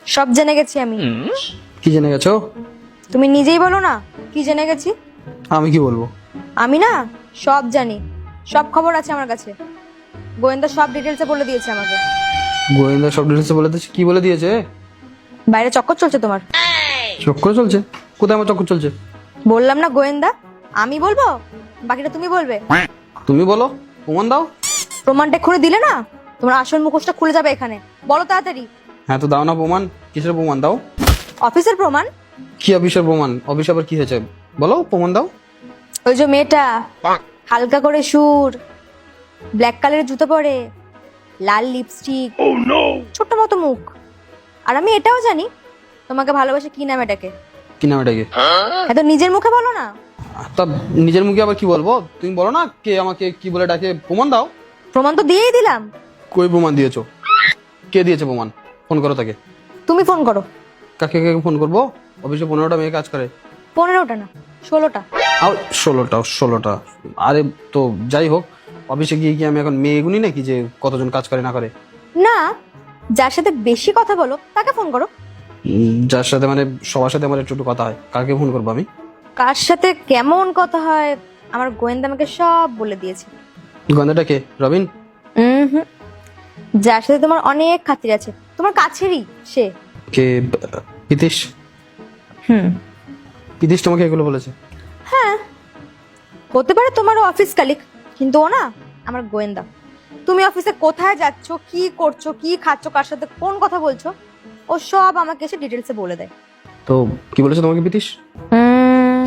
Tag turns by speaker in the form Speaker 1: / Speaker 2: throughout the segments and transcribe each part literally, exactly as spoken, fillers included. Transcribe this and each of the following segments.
Speaker 1: সব জেনে গেছি আমি।
Speaker 2: কি জেনে গেছো?
Speaker 1: তুমি নিজেই বলো না কি জেনে গেছি।
Speaker 2: আমি কি বলবো?
Speaker 1: আমি না সব জানি, সব খবর আছে আমার কাছে। গোয়েন্দা সব ডিটেলসে বলে দিয়েছে আমাকে।
Speaker 2: গোয়েন্দা সব ডিটেলস বলে দিয়েছে? কি বলে দিয়েছে?
Speaker 1: বাইরে চক্কর চলছে তোমার।
Speaker 2: চক্কর চলছে? কোথায় আমার চক্কর চলছে?
Speaker 1: বললাম না গোয়েন্দা, আমি বলবো, বাকিটা তুমি বলবে।
Speaker 2: তুমি বলো, প্রমাণ দাও।
Speaker 1: প্রমাণটা খুলে দিলে না তোমার আসল মুখোশটা খুলে যাবে এখানে। বলো তাড়াতাড়ি।
Speaker 2: হ্যাঁ তো দাও না প্রমাণ। কিসের প্রমাণ দাও?
Speaker 1: অফিসের প্রমাণ।
Speaker 2: কি অফিসের প্রমাণ? অফিস আবার কি হয়েছে? বলো, প্রমাণ দাও।
Speaker 1: ওই যে মেয়েটা হালকা করে সুর, ব্ল্যাক কালারের জুতো পরে, লাল লিপস্টিক, ছোট্ট মতো মুখ। আর আমি এটাও জানি তোমাকে ভালোবাসে কি নামে ডাকে।
Speaker 2: কি নাম এটাকে?
Speaker 1: এত নিজের মুখে বলো না।
Speaker 2: তা নিজের মুখে আবার কি বলবো? তুমি বলো না কে আমাকে কি বলে ডাকে, প্রমাণ দাও।
Speaker 1: প্রমাণ তো দিয়েই দিলাম।
Speaker 2: কই প্রমাণ দিয়েছো? কে দিয়েছে প্রমাণ? ফোন করো তাকে।
Speaker 1: তুমি ফোন করো।
Speaker 2: কাকে কাকে ফোন করবো? অফিসে পনেরোটা মেয়ে কাজ করে।
Speaker 1: পনেরোটা না, ষোলোটা।
Speaker 2: আর ষোলোটা ষোলোটা আরে তো যাই হোক, অফিসে গিয়ে কি আমি এখন মেয়ে গুনি নাকি যে কতজন কাজ করে না করে?
Speaker 1: না, যার সাথে বেশি কথা বলো তাকে ফোন করো।
Speaker 2: উম, যার সাথে মানে সবার সাথে আমার একটু একটু কথা হয়, কাকে ফোন করবো আমি?
Speaker 1: কার সাথে কেমন কথা হয় আমার গোয়েন্দা আমাকে সব বলে দিয়েছে।
Speaker 2: গন্ধটা কে? রবিন?
Speaker 1: হুম হুম, যার সাথে তোমার অনেক খাতির আছে, তোমার কাছেরই সে।
Speaker 2: কে? পিতিশ?
Speaker 1: হুম,
Speaker 2: পিতিশ তোমাকে এগুলো বলেছে?
Speaker 1: হ্যাঁ হতে পারে তোমারও অফিস কালিক, কিন্তু ও না আমার গোয়েন্দা। তুমি অফিসে কোথায় যাচ্ছ, কি করছো, কি খাচ্ছ, কার সাথে কোন কথা বলছো, ও সব আমাকে এসে ডিটেলসে বলে দেয়।
Speaker 2: তো কি বলেছে তোমাকে পিতিশ?
Speaker 1: হুম,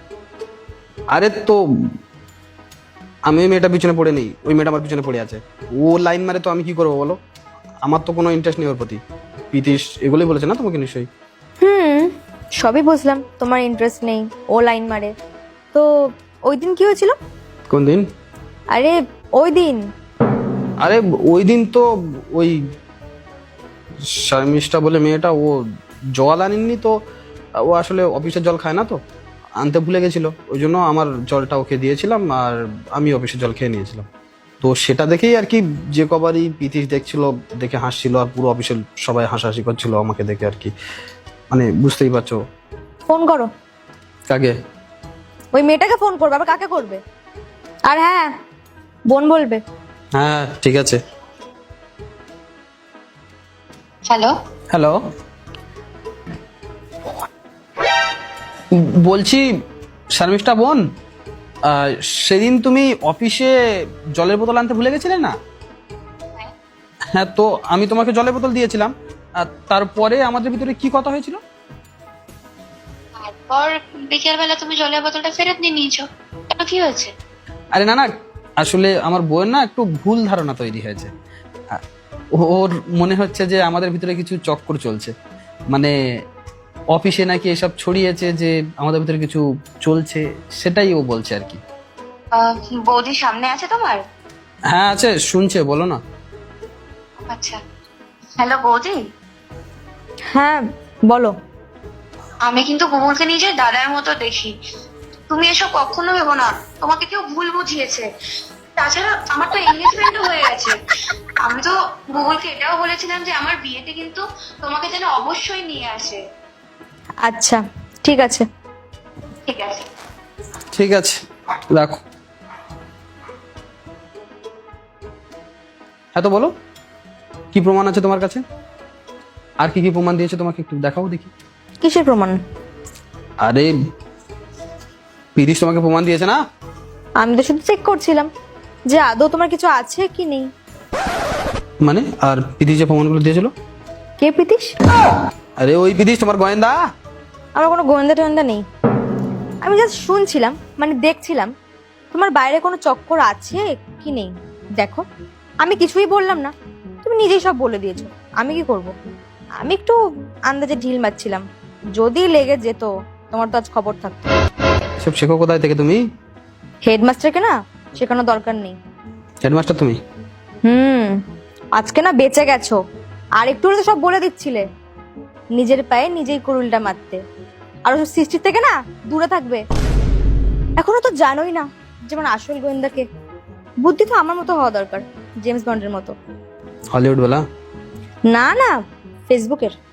Speaker 2: আরে তো আমি ওই মেয়েটা পিছনে পড়ে নেই, ওই মেয়েটা আমার পিছনে পড়ে আছে। ও লাইন মারে তো আমি কি করবো বলো? আমার তো কোনো ইন্টারেস্ট নেই ওর প্রতি। পিতিশ এগুলোই বলেছে না তোমাকে নিশ্চয়ই?
Speaker 1: হুম, সবই বুঝলাম তোমার ইন্টারেস্ট নেই, ও লাইন মারে। তো ওই দিন কি হয়েছিল?
Speaker 2: কোন দিন?
Speaker 1: আরে ওই দিন।
Speaker 2: আরে ওই দিন তো ওই শর্মিষ্ঠা বলে মেয়েটা, ও জল আনেননি তো। ও আসলে অফিসের জল খায় না তো, আনতে ভুলে গেছিল, ওই জন্য আমার জলটা ওকে দিয়েছিলাম আর আমি অফিসের জল খেয়ে নিয়েছিলাম। তো সেটা দেখেই আর কি, যে কবারই পিতিশ দেখছিল, দেখে হাসছিল আর পুরো অফিসের সবাই হাসাহাসি করছিল আমাকে দেখে আর কি। মানে বুঝতেই পারছো।
Speaker 1: ফোন করো।
Speaker 2: কাকে?
Speaker 1: ওই মেয়েটাকে ফোন করবে, আবার কাকে করবে? আর হ্যাঁ, বোন বলবে।
Speaker 2: হ্যাঁ ঠিক আছে।
Speaker 3: হ্যালো,
Speaker 2: হ্যালো, বলছি শর্মিষ্ঠা বোন, আহ, সেদিন তুমি অফিসে জলের বোতল আনতে ভুলে গেছিলে না? হ্যাঁ তো আমি তোমাকে জলের বোতল দিয়েছিলাম, আর তারপরে আমাদের ভিতরে কি কথা হয়েছিল?
Speaker 3: তারপর বিকেল বেলা তুমি জলের বোতলটা ফেরত নিয়ে নিয়েছো, কেন কি হয়েছে?
Speaker 2: আরে না না, আসলে আমার বউয়ের না একটু ভুল ধারণা তৈরি হয়েছে। আহ, ওর মনে হচ্ছে যে আমাদের ভিতরে কিছু চক্কর চলছে, মানে অফিসে নাকি এসব ছড়িয়েছে যে আমাদের ভিতরে কিছু চলছে, সেটাই ও বলছে আর কি।
Speaker 3: আহ, বৌদি সামনে আছে তোমার?
Speaker 2: হ্যাঁ আছে, শুনছে, বলো না।
Speaker 3: আচ্ছা, হ্যালো বৌদি।
Speaker 1: হ্যাঁ বলো।
Speaker 3: আমি কিন্তু গুগলকে নিজের দাদার মতো দেখি। তুমি এসব কখনো ভেবো না, তোমাকে কেউ ভুল বুঝিয়েছে। তাছাড়া আমার তো এনগেজমেন্টও হয়ে গেছে। আমি তো গুগলকে এটাও বলেছিলাম যে আমার বিয়েতে কিন্তু তোমাকে যেন অবশ্যই নিয়ে আসে।
Speaker 1: আচ্ছা ঠিক আছে।
Speaker 3: ঠিক আছে।
Speaker 2: ঠিক আছে, রাখো। হ্যাঁ তো বলো, কি প্রমাণ আছে তোমার কাছে? আর কি কি প্রমাণ দিয়েছে তোমাকে, একটু দেখাও দেখি।
Speaker 1: কিসের প্রমাণ?
Speaker 2: আরে পিরিশ তোমাকে প্রমাণ দিয়েছে না?
Speaker 1: আমি তো শুধু চেক করছিলাম যে আদৌ তোমার কিছু আছে কি নেই।
Speaker 2: মানে আর পিরিশ যে প্রমাণগুলো দিয়েছিল?
Speaker 1: কে প্রীতিশ?
Speaker 2: আরে ওই পিরিশ, তোমার গোয়েন্দা।
Speaker 1: আমার কোনো গোয়েন্দা টোয়েন্দা নেই। আমি জাস্ট শুনছিলাম, মানে দেখছিলাম তোমার বাইরে কোনো চক্কর আছে কি নেই। দেখো, আমি কিছুই বললাম না, তুমি নিজেই সব বলে দিয়েছো। আমি কি করব? আমি একটু আন্দাজে ঢিল মারছিলাম, যদি লেগে যেত তোমার তো আজ খবর থাকতো।
Speaker 2: সব শেখো কোথায় থেকে তুমি?
Speaker 1: হেডমাস্টারকে না শেখানোর দরকার নেই।
Speaker 2: হেডমাস্টার তুমি?
Speaker 1: হুম, আজকে না বেঁচে গেছো। আর একটু হলে তো সব বলে দিচ্ছিলে। নিজের পায়ে নিজেই কুড়ুলটা মারতে, আর ওসব সৃষ্টির থেকে না দূরে থাকবে। এখনো তো জানোই না যেমন আসল গোয়েন্দাকে। বুদ্ধি তো আমার মতো হওয়া দরকার, জেমস বন্ডের মতো।
Speaker 2: হলিউড বলা?
Speaker 1: না না, ফেসবুকের।